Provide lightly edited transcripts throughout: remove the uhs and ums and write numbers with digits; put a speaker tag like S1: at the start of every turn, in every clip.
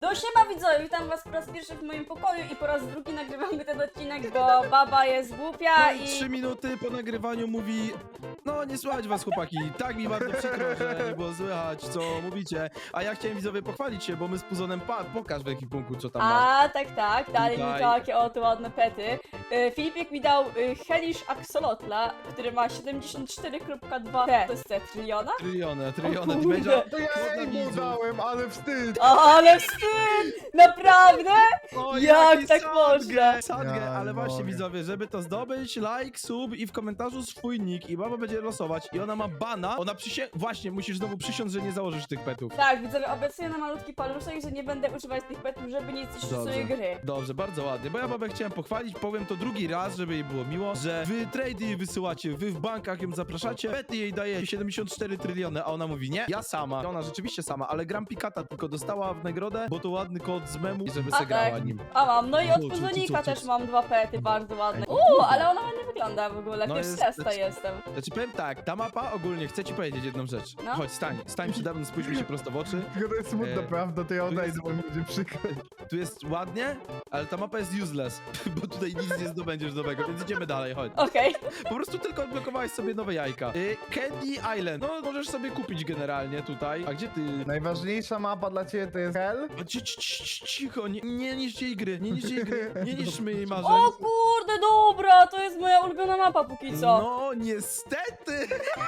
S1: No siema widzowie, witam was po raz pierwszy w moim pokoju i po raz drugi nagrywamy ten odcinek, bo baba jest głupia
S2: No i
S1: i...
S2: 3 minuty po nagrywaniu mówi: no nie słychać was chłopaki, tak mi bardzo przykro, że nie było słychać co mówicie. A ja chciałem widzowie pochwalić się, bo my z Puzonem, pokaż w ekwipunku co tam masz.
S1: A, tak, dali mi
S2: Tutaj.
S1: takie oto ładne pety. Filipik mi dał Hellish Axolotla, który ma 74,2 T. To jest C, tryliona?
S2: Tryliony,
S1: O
S2: damage'a.
S1: kurde.
S3: To ja
S2: Dla
S3: jej mu
S2: widzów.
S3: dałem, ale wstyd!
S1: O, ale wstyd! Naprawdę?
S2: O,
S1: Jak
S2: jaki
S1: tak
S2: sadgę,
S1: można?
S2: sadgę,
S3: Ja
S2: ale
S3: nie
S2: właśnie
S3: mogę.
S2: widzowie, żeby to zdobyć, like, sub i w komentarzu swój nick i baba będzie losować i ona ma bana, ona właśnie, musisz znowu przysiąc, że nie założysz tych petów.
S1: Tak, widzowie, obiecuję na malutki paluszek, że nie będę używać tych petów, żeby nie zniszczyć
S2: Dobrze.
S1: swojej gry.
S2: Dobrze, bardzo ładnie, bo ja babę chciałem pochwalić, powiem to drugi raz, żeby jej było miło, że wy trady jej wysyłacie, wy w bankach ją zapraszacie, pety jej daje 74 tryliony, a ona mówi nie, ja sama. I ona rzeczywiście sama, ale Gram Pikata tylko dostała w nagrodę, bo to ładny kod z memu i żeby
S1: A
S2: se grała
S1: tak.
S2: nim.
S1: A mam, no i od
S2: Co,
S1: Puzonika
S2: co?
S1: też mam dwa pety, bardzo ładne. Ale ona ładnie wygląda w ogóle,
S2: No
S1: pierwszy
S2: jest-
S1: raz to jestem.
S2: Znaczy powiem tak, ta mapa ogólnie, chcę ci powiedzieć jedną rzecz.
S1: No.
S2: Chodź, stań przede mną, spójrz mi się prosto w oczy.
S3: Tylko to jest smutna prawda, to ja
S2: tu
S3: odejdę,
S2: jest-
S3: bo mi będzie przykro.
S2: Tu jest ładnie, ale ta mapa jest useless, bo tutaj nic nie zdobędziesz nowego, więc idziemy dalej, chodź.
S1: Okej.
S2: Po prostu tylko odblokowałeś sobie nowe jajka. Candy Island. No, możesz sobie kupić generalnie tutaj. A gdzie ty?
S3: Najważniejsza mapa dla ciebie to jest Hell.
S2: Cicho, nie niszcz jej gry, nie niszcz jej gry, nie niszczmy jej marzeń.
S1: O kurde, dobra, to jest moja ulubiona mapa póki co.
S2: No, niestety!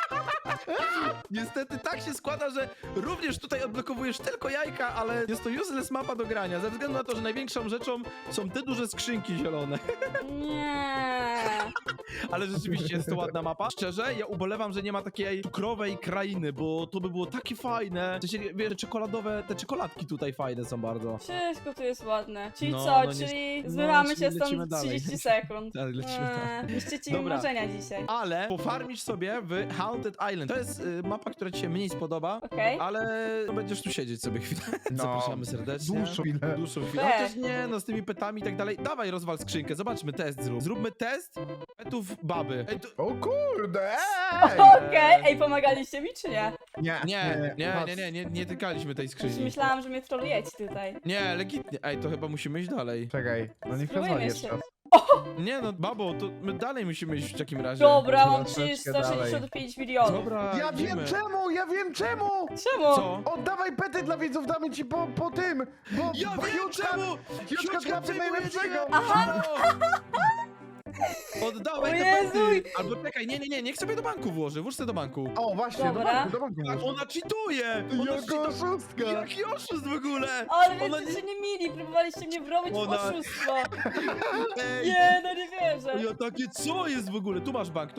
S2: Niestety tak się składa, że również tutaj odblokowujesz tylko jajka, ale jest to useless mapa do grania, ze względu na to, że największą rzeczą są te duże skrzynki zielone.
S1: Nie.
S2: Ale rzeczywiście jest to ładna mapa. Szczerze, ja ubolewam, że nie ma takiej cukrowej krainy, bo to by było takie fajne. W sensie, wiesz, te czekoladki tutaj fajne są bardzo.
S1: Wszystko tu jest ładne. Czyli
S2: No,
S1: co,
S2: no nie-
S1: czyli
S2: no,
S1: zmywamy
S2: czyli
S1: się stąd
S2: lecimy dalej.
S1: 30 sekund.
S2: Tak, lecimy dalej.
S1: Niszczycie mi
S2: Dobra.
S1: marzenia dzisiaj.
S2: Ale pofarmisz sobie w Haunted Island. To jest mapa, która ci się mniej spodoba,
S1: Okej?
S2: ale no, będziesz tu siedzieć sobie chwilę.
S3: No,
S2: Zapraszamy serdecznie.
S3: dłuższą chwilę.
S2: Dłuższą chwilę.
S1: Weź.
S2: Chociaż nie, no z tymi petami i tak dalej. Dawaj, rozwal skrzynkę, zobaczmy, test zrób. Zróbmy test petów baby. Ej, to...
S3: O kurde,
S1: Okej, ej, pomagaliście mi czy nie?
S2: Nie tykaliśmy tej
S1: Już
S2: skrzyni.
S1: myślałam, że mnie trolujecie tutaj.
S2: Nie, legitnie. Ej, to chyba musimy iść dalej.
S3: Czekaj, no niech
S1: Spróbujmy
S3: rozwali
S1: jeszcze.
S3: jeszcze raz.
S2: Nie no, babo, to my dalej musimy iść w takim razie.
S1: Dobra, mam
S3: Troszeczkę
S1: przecież 165 milionów.
S2: Dobra,
S3: Ja
S2: idziemy.
S3: wiem czemu!
S1: Czemu?
S2: Co?
S3: Oddawaj pety dla widzów, damy ci po tym! Bo
S2: Ja
S3: bo
S2: wiem
S3: Huge
S2: czemu!
S3: Huge trafi
S2: przejmuje
S3: najlepszego!
S2: cię!
S1: Aha.
S2: Oddawaj
S1: O
S2: te
S1: Jezu!
S2: pety! Albo czekaj, nie, niech sobie do banku włoży, włóż sobie do banku.
S3: O, właśnie,
S1: Dobra.
S3: do banku
S2: Tak,
S3: włóż.
S2: ona cheatuje! Ona
S3: Jaka
S2: cheatuje.
S3: oszustka!
S2: Jaki oszust w ogóle!
S1: Ale
S2: Ona
S1: wy jesteście nie mili, próbowaliście mnie wrobić w
S2: Ona-
S1: oszustwo.
S2: Ej,
S1: Nie, no nie wierzę.
S2: ja takie co jest w ogóle? Tu masz bank.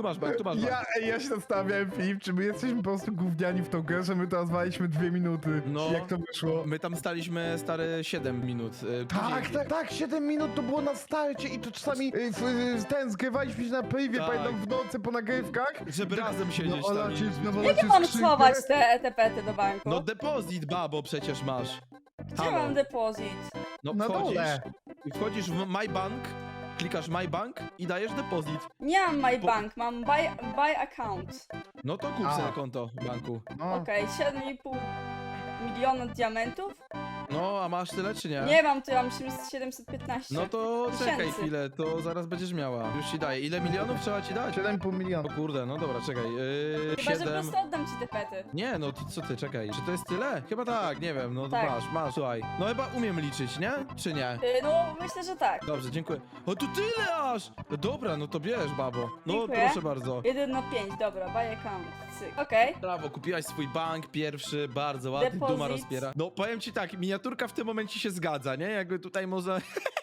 S3: Ja się zastanawiałem, Filip, czy my jesteśmy po prostu gówniani w tą grę, że my to nazwaliśmy 2 minuty.
S2: No.
S3: Jak to wyszło?
S2: My tam staliśmy stare 7 minut.
S3: Tak, 7 minut to było na starcie i to czasami zgrywaliśmy się na privie,
S2: Tak.
S3: pamiętam w nocy po nagrywkach.
S2: Żeby razem siedzieć
S3: No,
S2: tam.
S1: Jakie mam schować te pety do banku?
S2: No depozyt, babo, przecież masz.
S1: Gdzie
S2: halo.
S1: mam depozyt?
S2: No
S3: Na dole.
S2: wchodzisz w My Bank, klikasz My Bank i dajesz depozyt.
S1: Nie mam my
S2: Po-
S1: bank, mam buy account.
S2: No to kup
S3: A.
S2: sobie konto w banku.
S3: No.
S1: Okej, 7,5 miliona diamentów?
S2: No, a masz tyle czy nie?
S1: Nie mam, tu mam 715.
S2: No to czekaj
S1: Tysięcy.
S2: chwilę, to zaraz będziesz miała. Już ci daję. Ile milionów trzeba ci dać?
S3: 7,5
S2: O
S3: miliona.
S2: kurde, no dobra, czekaj.
S1: Chyba, że po
S2: 7.
S1: prostu oddam ci te pety.
S2: Nie, no to co ty, czekaj. Czy to jest tyle? Chyba tak, nie wiem, no
S1: Tak.
S2: masz, słuchaj. No chyba umiem liczyć, nie? Czy nie?
S1: No, myślę, że tak.
S2: Dobrze, dziękuję. O, tu tyle aż! Dobra, no to bierz, babo. No,
S1: Dziękuję.
S2: proszę bardzo.
S1: 1 na 5, dobra, buy account. Cyk. Okej.
S2: Brawo, kupiłaś swój bank pierwszy, bardzo ładny,
S1: Depozyt.
S2: duma rozpiera. No powiem ci tak, miniaturka w tym momencie się zgadza, nie? Jakby tutaj można...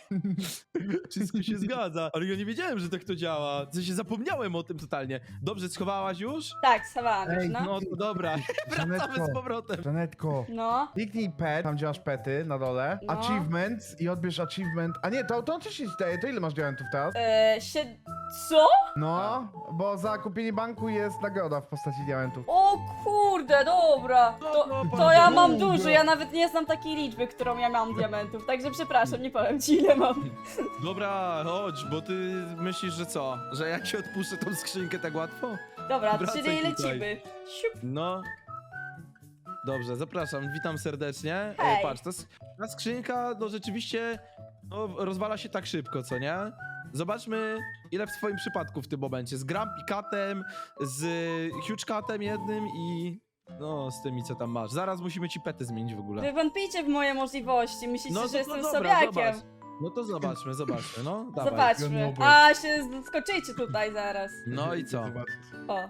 S2: Wszystko się zgadza, ale ja nie wiedziałem, że tak to działa. W sensie zapomniałem o tym totalnie. Dobrze, schowałaś już?
S1: Tak, schowałam już,
S3: Ej,
S1: no.
S2: No to dobra, wracamy z powrotem.
S3: Żanetko,
S1: No.
S3: kliknij pet, tam gdzie masz pety na dole,
S1: No.
S3: achievements i odbierz achievement. A nie, to automatycznie ci daje, to ile masz diamentów teraz?
S1: Co?
S3: No, bo za kupienie banku jest nagroda w postaci diamentów.
S1: O kurde, dobra. To ja mam dużo, ja nawet nie znam takiej liczby, którą ja mam diamentów, także przepraszam, nie powiem ci ile mam.
S2: Dobra, chodź, bo ty myślisz, że co? Że jak ci odpuszczę tą skrzynkę tak łatwo?
S1: Dobra,
S2: Wracaj
S1: czyli
S2: tutaj.
S1: lecimy. Siup.
S2: No. Dobrze, zapraszam, witam serdecznie.
S1: Hej.
S2: Patrz, to jest Ta skrzynka, no rzeczywiście, no, rozwala się tak szybko, co nie? Zobaczmy, ile w twoim przypadku w tym momencie. Z Grumpy Catem, z Huge Catem jednym i... No, z tymi, co tam masz. Zaraz musimy ci pety zmienić w ogóle.
S1: Wy wątpicie w moje możliwości, myślicie,
S2: No
S1: że jestem
S2: dobra,
S1: sobiakiem.
S2: zobacz. No to zobaczmy, no, dawaj.
S1: Zobaczmy.
S3: Dobra.
S1: A, się skoczycie tutaj zaraz.
S2: No i co?
S3: Zobaczysz.
S1: O.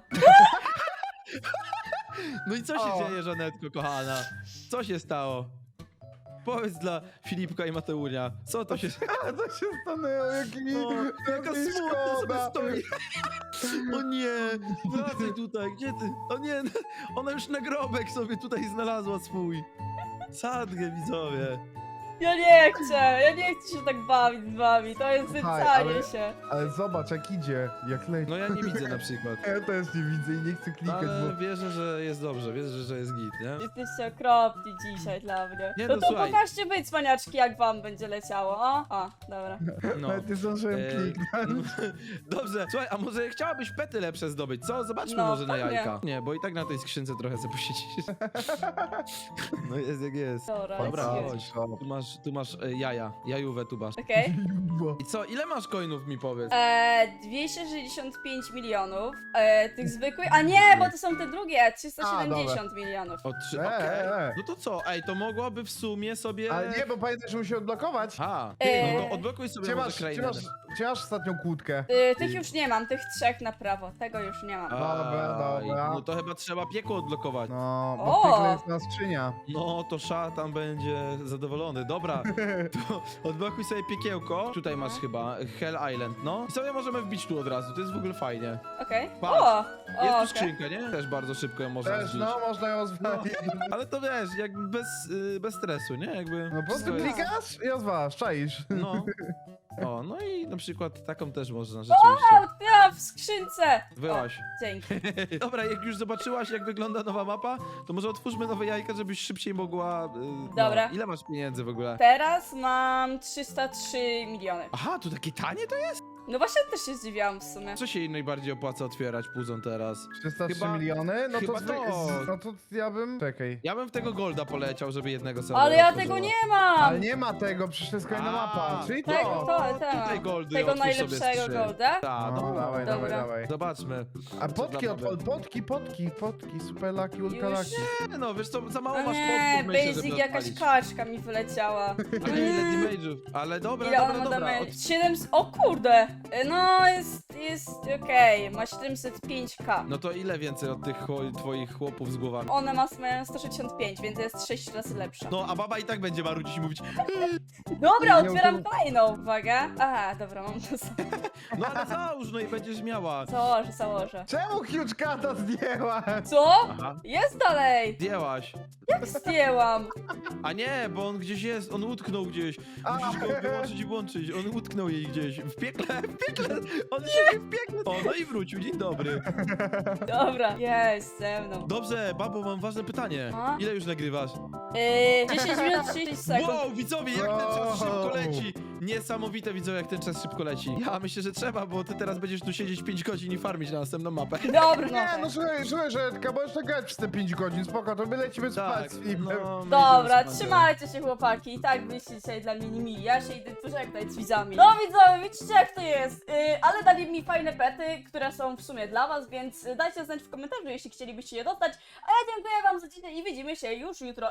S2: No i co się
S3: O.
S2: dzieje, Żanetko, kochana? Co się stało? Powiedz dla Filipka i Mateunia, co to się...
S3: A co się stanęło? Jaki
S2: O, jaka
S3: mi
S2: smutna sobie
S3: szkoda.
S2: stoi. O nie, wracaj tutaj, gdzie ty? O nie, ona już nagrobek sobie tutaj znalazła swój. Sadgę, widzowie.
S1: Ja nie chcę się tak bawić z wami, to jest
S3: Słuchaj,
S1: wycanie
S3: ale-
S1: się.
S3: Ale zobacz, jak idzie, jak leci.
S2: No ja nie widzę na przykład.
S3: Ja też nie widzę i nie chcę klikać,
S2: Ale
S3: bo...
S2: wierzę, że jest dobrze, wierzę, że jest git, nie?
S1: Jesteście okropni dzisiaj dla mnie.
S2: Nie,
S1: No
S2: no
S1: to
S2: słuchaj.
S1: pokażcie wy, cwaniaczki, jak wam będzie leciało, o? O, dobra.
S2: No.
S3: Nawet nie zdążyłem kliknąć.
S2: Dobrze, słuchaj, a może chciałabyś pety lepsze zdobyć, co? Zobaczmy
S1: No,
S2: może na
S1: pewnie.
S2: jajka. Nie, bo i tak na tej skrzynce trochę sobie posiedzisz. No jest jak jest.
S1: Dobra,
S2: Dobra,
S1: jest
S2: chodź.
S1: git.
S2: Tu masz jaja, jajówę tu masz.
S1: Okej.
S3: Bo-
S2: I co, ile masz coinów mi powiedz?
S1: 265 milionów, tych zwykłych, a nie, bo to są te drugie, 370 milionów.
S2: O 3,
S3: E,
S2: okej.
S3: e, e.
S2: No to co, ej, to mogłaby w sumie sobie...
S3: Ale nie, bo pamiętaj, że musi odblokować.
S2: A, ty, no to odblokuj sobie
S3: Gdzie
S2: może
S3: masz,
S2: krainę.
S3: gdzie masz ostatnią kłódkę?
S1: Tych już nie mam, tych trzech na prawo, tego już nie mam.
S3: Dobra,
S2: Aj,
S3: dobra.
S2: No to chyba trzeba piekło odblokować.
S3: No, bo
S1: O!
S3: w piekle jest na skrzynia.
S2: No, to szatan będzie zadowolony. Dobra, to odblokuj sobie piekiełko. Tutaj masz chyba Hell Island, no. I sobie możemy wbić tu od razu, to jest w ogóle fajnie.
S1: Okej.
S2: Patrz,
S1: O!
S2: Jest tu
S1: okej.
S2: skrzynka, nie? Też bardzo szybko ją można
S3: Też,
S2: zbić.
S3: no, można ją zwalić.
S2: Ale to wiesz, jakby bez stresu, nie? Jakby...
S3: No po prostu
S2: wszystko jest-
S3: klikasz i rozwalasz, czaisz.
S2: No. O, no i na przykład taką też można rzeczywiście.
S1: Ja w skrzynce!
S2: Wyłaź.
S1: O, dzięki.
S2: Dobra, jak już zobaczyłaś, jak wygląda nowa mapa, to może otwórzmy nowe jajka, żebyś szybciej mogła...
S1: Dobra.
S2: No, ile masz pieniędzy w ogóle?
S1: Teraz mam 303 miliony.
S2: Aha, tu takie tanie to jest?
S1: No właśnie też się zdziwiłam w sumie.
S2: Co się jej najbardziej opłaca otwierać puzon teraz?
S3: 303
S2: Chyba-
S3: miliony? No
S2: chyba
S3: to,
S2: to.
S3: no to ja bym... Czekaj.
S2: Ja bym w tego golda poleciał, żeby jednego sobie
S1: Ale ja
S2: otworzyła.
S1: tego nie mam!
S3: Ale nie ma tego, przecież to jest kolejna
S2: A,
S3: mapa. Czyli
S1: Tak,
S3: to.
S2: Tutaj goldy
S1: Tego
S2: otwórz sobie z
S1: najlepszego
S2: trzy.
S1: golda?
S2: Tak,
S3: No,
S2: no,
S3: dawaj,
S1: dobra.
S3: dawaj, dawaj.
S2: Zobaczmy.
S3: A
S2: Co
S3: potki
S2: dla
S3: odpal,
S2: baby.
S3: potki, super laki, ultra
S1: Już?
S3: laki.
S2: Nie, no wiesz co, za mało
S1: No
S2: masz
S1: nie,
S2: podków, myślę,
S1: basic
S2: żeby
S1: jakaś
S2: odpalić.
S1: kaczka mi wyleciała.
S2: Ale ile damage'ów? Ale dobra,
S1: Ile
S2: dobra,
S1: ona ma
S2: dobra.
S1: damage? 700... O kurde! No jest okej, ma 705k.
S2: No to ile więcej od tych twoich chłopów z głowami?
S1: One mają 165, więc jest 6 razy lepsza.
S2: No, a baba i tak będzie marudzić i mówić,
S1: Dobra,
S3: Nie,
S1: otwieram
S3: to-
S1: kolejną. Uwaga. Aha, dobra, mam to.
S2: no ale załóż, no i będziesz miała.
S1: Założę.
S3: Czemu Huge Cata zdjęła?
S1: Co?
S2: Aha,
S1: Jest dalej!
S2: zdjęłaś.
S1: Zdjęłam.
S2: A nie, bo on gdzieś jest, on utknął gdzieś. Musisz go wyłączyć i włączyć. On utknął jej gdzieś. W piekle. On siedzi w piekle. O, no i wrócił, dzień dobry.
S1: Dobra, jest ze mną.
S2: Dobrze, babo, mam ważne pytanie.
S1: A?
S2: Ile już nagrywasz?
S1: 10 minut 30 sekund.
S2: Wow, widzowie, jak ten czas
S3: Wow.
S2: szybko leci. Niesamowite, widzowie, jak ten czas szybko leci. Ja myślę, że trzeba, bo ty teraz będziesz tu siedzieć 5 godzin i farmić na następną mapę.
S1: Dobra,
S3: Nie, no
S1: no.
S3: słuchaj, Żetka, możesz tak grać przez te 5 godzin, spoko, to my lecimy spać
S2: Tak,
S3: z filmem.
S2: no, my
S1: Dobra,
S2: idziemy spać.
S1: trzymajcie się chłopaki. I tak byliście dzisiaj dla mnie mili. Ja się idę pożegnać z widzami. No widzowie, widzicie jak to jest. Ale dali mi fajne pety, które są w sumie dla was, więc dajcie znać w komentarzu, jeśli chcielibyście je dostać. A ja dziękuję wam za dzisiaj i widzimy się już jutro.